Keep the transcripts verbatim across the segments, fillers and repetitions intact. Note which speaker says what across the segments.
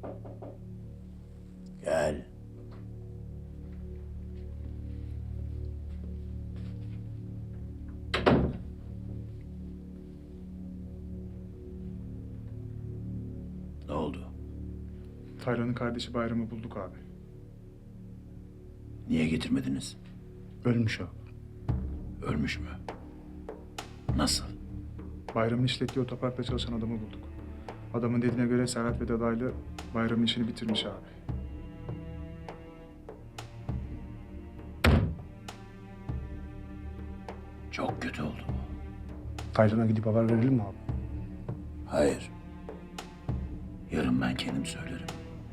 Speaker 1: Gel. Ne oldu?
Speaker 2: Taylan'ın kardeşi Bayram'ı bulduk abi.
Speaker 1: Niye getirmediniz?
Speaker 2: Ölmüş abi.
Speaker 1: Ölmüş mü? Nasıl?
Speaker 2: Bayram'ın işlettiği otoparkta çalışan adamı bulduk. Adamın dediğine göre Serhat ve Dadaylı Bayram'ın işini bitirmiş abi.
Speaker 1: Çok kötü oldu bu.
Speaker 2: Taylan'a gidip haber verelim mi abi?
Speaker 1: Hayır. Yarın ben kendim söylerim.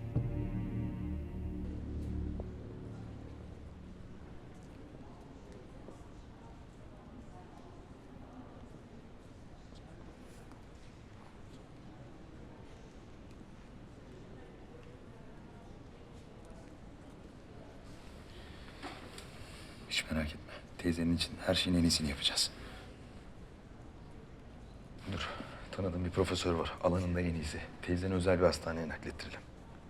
Speaker 3: Hiç merak etme. Teyzenin için her şeyin en iyisini yapacağız. Dur. Tanıdığım bir profesör var. Alanında en iyisi. Teyzeni özel bir hastaneye naklettirelim.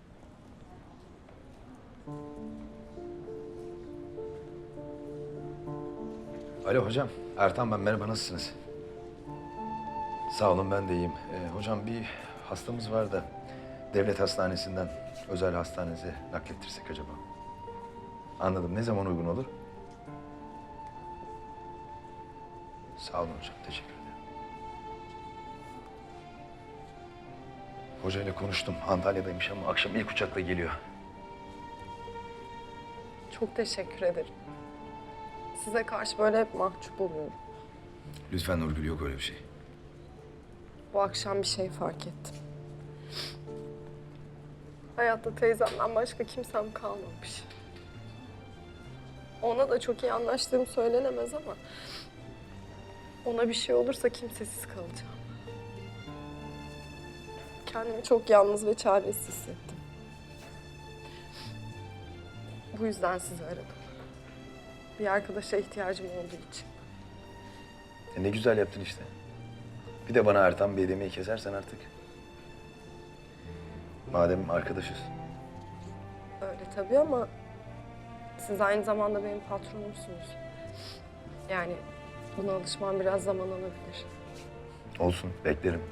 Speaker 3: Alo hocam. Ertan ben. Merhaba. Nasılsınız? Sağ olun. Ben de iyiyim. Ee, hocam bir hastamız var da devlet hastanesinden özel hastanenize naklettirsek acaba? Anladım. Ne zaman uygun olur? Sağ olun hocam. Teşekkür ederim. Hocayla konuştum. Antalya'daymış ama akşam ilk uçakla geliyor.
Speaker 4: Çok teşekkür ederim. Size karşı böyle hep mahcup oluyorum.
Speaker 3: Lütfen Nurgül, yok öyle bir şey.
Speaker 4: Bu akşam bir şey fark ettim. Hayatta teyzemden başka kimsem kalmamış. Ona da çok iyi anlaştığım söylenemez ama... ona bir şey olursa kimsesiz kalacağım. Kendimi çok yalnız ve çaresiz hissettim. Bu yüzden sizi aradım. Bir arkadaşa ihtiyacım olduğu için.
Speaker 3: E ne güzel yaptın işte. Bir de bana Ertan Bey demeyi kesersen artık. Madem arkadaşız.
Speaker 4: Öyle tabii ama siz aynı zamanda benim patronumsunuz. Yani buna alışmam biraz zaman alabilir.
Speaker 3: Olsun, beklerim.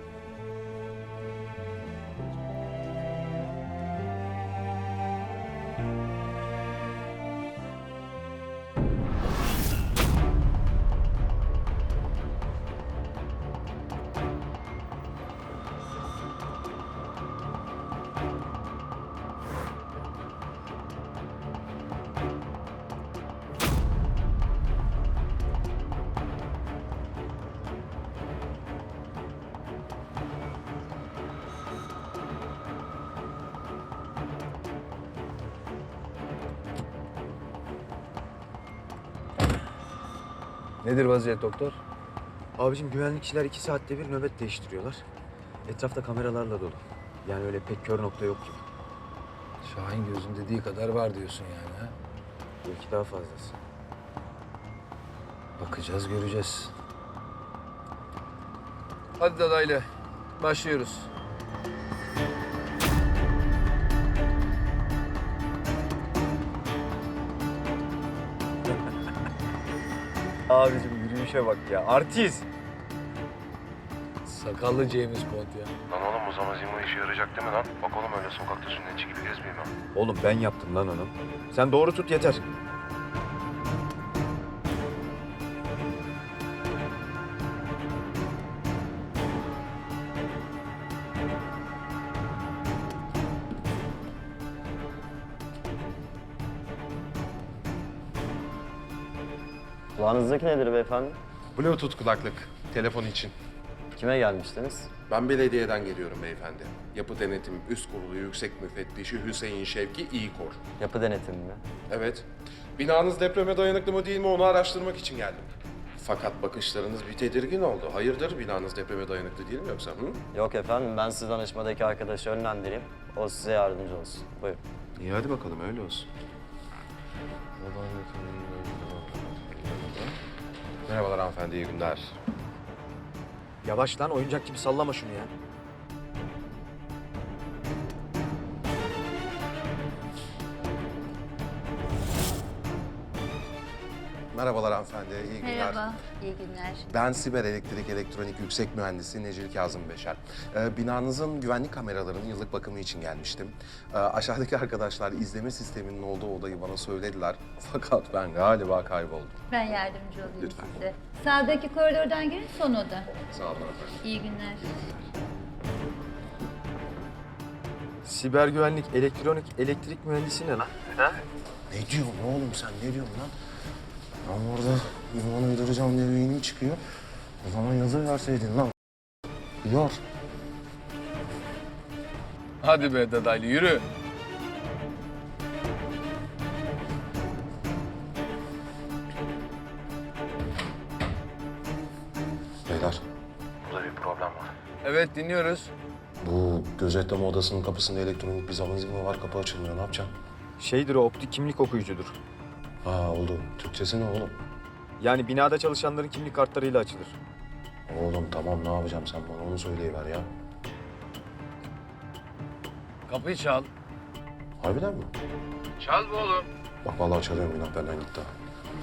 Speaker 5: Nedir vaziyet doktor? Abicim güvenlikçiler iki saatte bir nöbet değiştiriyorlar. Etrafta kameralarla dolu. Yani öyle pek kör nokta yok gibi.
Speaker 6: Şahin gözün dediği kadar var diyorsun yani ha?
Speaker 5: Belki daha fazlası.
Speaker 6: Bakacağız, göreceğiz. Hadi dadaylı, başlıyoruz.
Speaker 5: Abicim yürüyüşe bak ya. Artist.
Speaker 6: Sakallı James Bond ya.
Speaker 7: Lan oğlum o zaman Zimo işe yarayacak değil mi lan? Bak oğlum öyle sokakta sünnetçi gibi gezmeyeyim ben.
Speaker 5: Oğlum ben yaptım lan onu. Sen doğru tut yeter.
Speaker 8: Kulağınızdaki nedir beyefendi?
Speaker 9: Bluetooth kulaklık, telefon için.
Speaker 8: Kime gelmiştiniz?
Speaker 9: Ben belediyeden geliyorum beyefendi. Yapı Denetim Üst Kurulu Yüksek Müfettişi Hüseyin Şevki İyikor.
Speaker 8: Yapı denetimi mi?
Speaker 9: Evet. Binanız depreme dayanıklı mı değil mi onu araştırmak için geldim. Fakat bakışlarınız bir tedirgin oldu. Hayırdır, binanız depreme dayanıklı değil mi yoksa? Hı?
Speaker 8: Yok efendim, ben sizi danışmadaki arkadaşı yönlendireyim. O size yardımcı olsun. Buyurun.
Speaker 9: İyi hadi bakalım öyle olsun. Merhabalar hanımefendi, iyi günler.
Speaker 5: Yavaş lan oyuncak gibi sallama şunu ya.
Speaker 9: merhabalar hanımefendi, iyi günler.
Speaker 10: Merhaba, iyi günler.
Speaker 9: Ben Siber Elektrik Elektronik Yüksek Mühendisi Necil Kazım Beşer. Ee, binanızın güvenlik kameralarının yıllık bakımı için gelmiştim. Ee, aşağıdaki arkadaşlar izleme sisteminin olduğu odayı bana söylediler. Fakat ben galiba kayboldum.
Speaker 10: Ben yardımcı olayım
Speaker 9: Lütfen.
Speaker 10: size. Sağdaki koridordan girin, son oda.
Speaker 9: Sağ olun efendim.
Speaker 10: İyi günler.
Speaker 5: Siber güvenlik, elektronik, elektrik mühendisi ne lan?
Speaker 9: Ne diyorsun oğlum sen, ne diyorsun lan? Ben orada ünvan uyduracağım diye beynim çıkıyor. O zaman yazı verseydin lan. Yor.
Speaker 6: Hadi be dadaylı yürü.
Speaker 9: Beyler,
Speaker 7: Burada bir problem var.
Speaker 6: Evet dinliyoruz.
Speaker 9: bu gözetleme odasının kapısında elektronik bir zaman zilimi var, kapı açılmıyor. Ne yapacağım?
Speaker 5: Şeydir o, optik kimlik okuyucudur.
Speaker 9: Ha oldu. Türkçesi ne oğlum?
Speaker 5: Yani binada çalışanların kimlik kartlarıyla açılır.
Speaker 9: Oğlum tamam, ne yapacağım, sen bana onu söyleyiver ya.
Speaker 6: Kapıyı çal.
Speaker 9: Harbiden mi?
Speaker 6: Çal bu oğlum.
Speaker 9: Bak vallahi çalıyorum, günah benden gitti ha.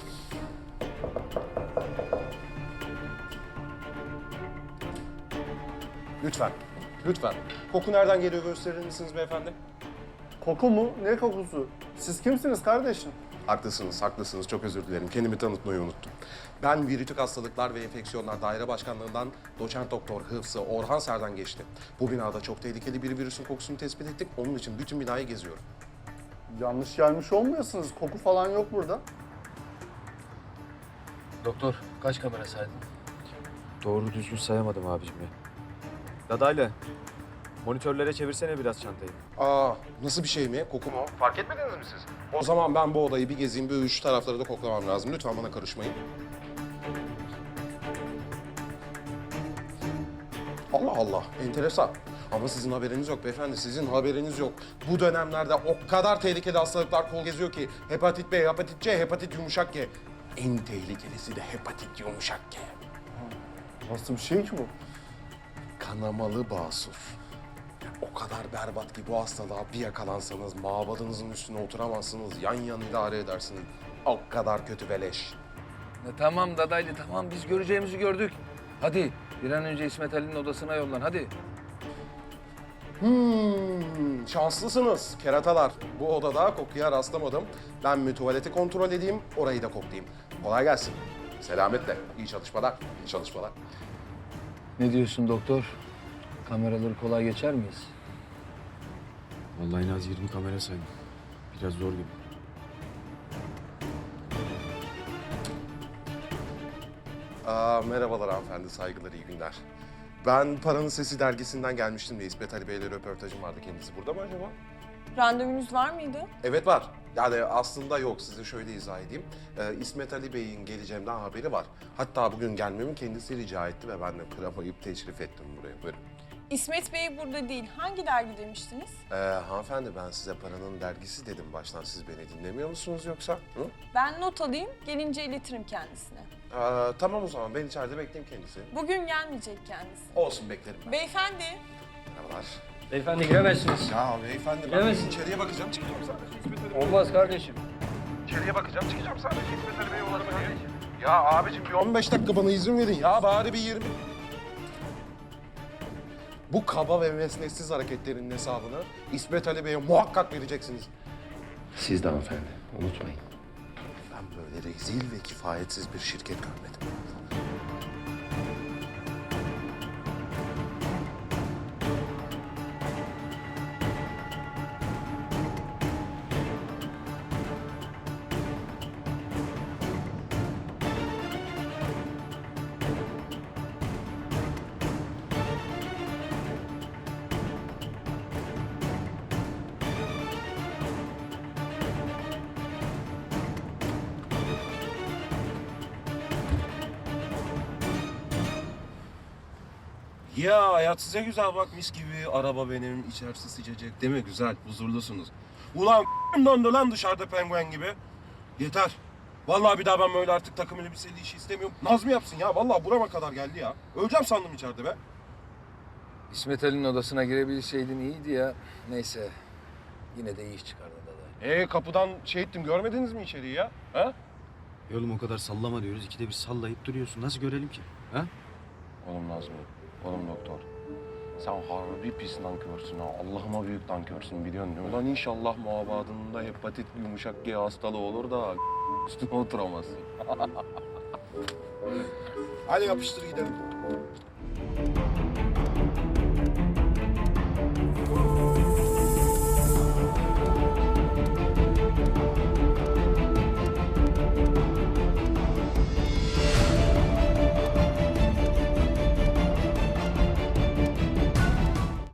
Speaker 9: Lütfen, lütfen. Koku nereden geliyor gösterir misiniz beyefendi?
Speaker 11: Koku mu? Ne kokusu? Siz kimsiniz kardeşim?
Speaker 9: Haklısınız, haklısınız. Çok özür dilerim. Kendimi tanıtmayı unuttum. Ben Virütük Hastalıklar ve Enfeksiyonlar Daire Başkanlığı'ndan doçent doktor Hıfzı Orhan Serdan geçti. Bu binada çok tehlikeli bir virüsün kokusunu tespit ettik. Onun için bütün binayı geziyorum.
Speaker 11: Yanlış gelmiş olmuyorsunuz. Koku falan yok burada.
Speaker 6: Doktor kaç kamera saydın?
Speaker 5: Doğru düzgün sayamadım abicim ya. Dadaylı, monitörlere çevirsene biraz çantayı.
Speaker 9: Aa, nasıl bir şey mi? Koku mu? Fark etmediniz mi siz? O zaman ben bu odayı bir gezeyim, bir üç tarafları da koklamam lazım. Lütfen bana karışmayın. Allah Allah, enteresan. Ama sizin haberiniz yok beyefendi, sizin haberiniz yok. Bu dönemlerde o kadar tehlikeli hastalıklar kol geziyor ki hepatit B, hepatit C, hepatit yumuşak G. En tehlikelisi de hepatit yumuşak G.
Speaker 11: Nasıl bir şey ki bu?
Speaker 9: Kanamalı basur. O kadar berbat ki bu hastalığa bir yakalansanız mabadınızın üstüne oturamazsınız, yan yan idare edersiniz. O kadar kötü beleş.
Speaker 6: E, tamam dadaylı tamam biz göreceğimizi gördük. Hadi bir an önce İsmet Ali'nin odasına yollan hadi.
Speaker 9: Hmm, şanslısınız keratalar. Bu odada kokuya rastlamadım. Ben bir tuvaleti kontrol edeyim, orayı da koklayayım. Kolay gelsin. Selametle. İyi çalışmalar. İyi çalışmalar.
Speaker 6: Ne diyorsun doktor? Kameraları kolay geçer miyiz?
Speaker 5: Vallahi en az yirmi kamera saydım. Biraz zor gibi.
Speaker 9: Aa, merhabalar hanımefendi, saygılar, iyi günler. Ben Paranın Sesi dergisinden gelmiştim de İsmet Ali Bey'le röportajım vardı. Kendisi burada mı acaba?
Speaker 4: Randevunuz var mıydı?
Speaker 9: Evet var. Yani aslında yok. Size şöyle izah edeyim. Ee, İsmet Ali Bey'in geleceğimden haberi var. Hatta bugün gelmemi kendisi rica etti ve ben de kıramayıp teşrif ettim buraya. Buyurun.
Speaker 12: İsmet Bey burada değil. Hangi dergi demiştiniz?
Speaker 9: Ee, hanımefendi ben size Paranın Dergisi dedim baştan. Siz beni dinlemiyor musunuz yoksa? Hı?
Speaker 12: Ben not alayım, gelince iletirim kendisine.
Speaker 9: Ee, tamam o zaman ben içeride bekleyeyim kendisi.
Speaker 12: Bugün gelmeyecek kendisi.
Speaker 9: Olsun, beklerim ben.
Speaker 12: Beyefendi,
Speaker 9: Merhabalar.
Speaker 6: Beyefendi giremezsiniz.
Speaker 9: Ya beyefendi ben
Speaker 6: Giremezsin.
Speaker 9: içeriye bakacağım, çıkacağım sadece. İsmet Ali Bey.
Speaker 6: Olmaz kardeşim.
Speaker 9: İçeriye bakacağım, çıkacağım sadece. İsmet Ali Bey yolladı beni. Ya abicim bir on beş dakika bana izin verin ya. Bari bir yirmi. Bu kaba ve mesnetsiz hareketlerin hesabını İsmet Ali Bey'e muhakkak vereceksiniz. Siz de hanımefendi, unutmayın. Ben böyle rezil ve kifayetsiz bir şirket görmedim.
Speaker 13: Ya hayat size güzel bak, mis gibi araba benim, içerisi sıcacık değil mi? Güzel, huzurlusunuz. Ulan dondu lan dışarıda penguen gibi. Yeter. Vallahi bir daha ben böyle artık takım elbiseli işi istemiyorum. Nazmi yapsın ya, vallahi burama kadar geldi ya. Öleceğim sandım içeride be.
Speaker 6: İsmet Ali'nin odasına girebilseydin iyiydi ya. Neyse yine de iyi iş çıkardın dadaylı.
Speaker 9: Ee kapıdan şey ettim, görmediniz mi içeriği ya? Ha?
Speaker 5: E oğlum o kadar sallama diyoruz. İkide bir sallayıp duruyorsun. Nasıl görelim ki? Ha?
Speaker 13: Oğlum Nazmi, oğlum doktor. Sen harbi pis nankörsün ha. Allah'ıma büyük nankörsün biliyorsun değil mi? Ulan inşallah mabadında hepatit yumuşak G hastalığı olur da üstüne oturamazsın. Hadi yapıştır gidelim.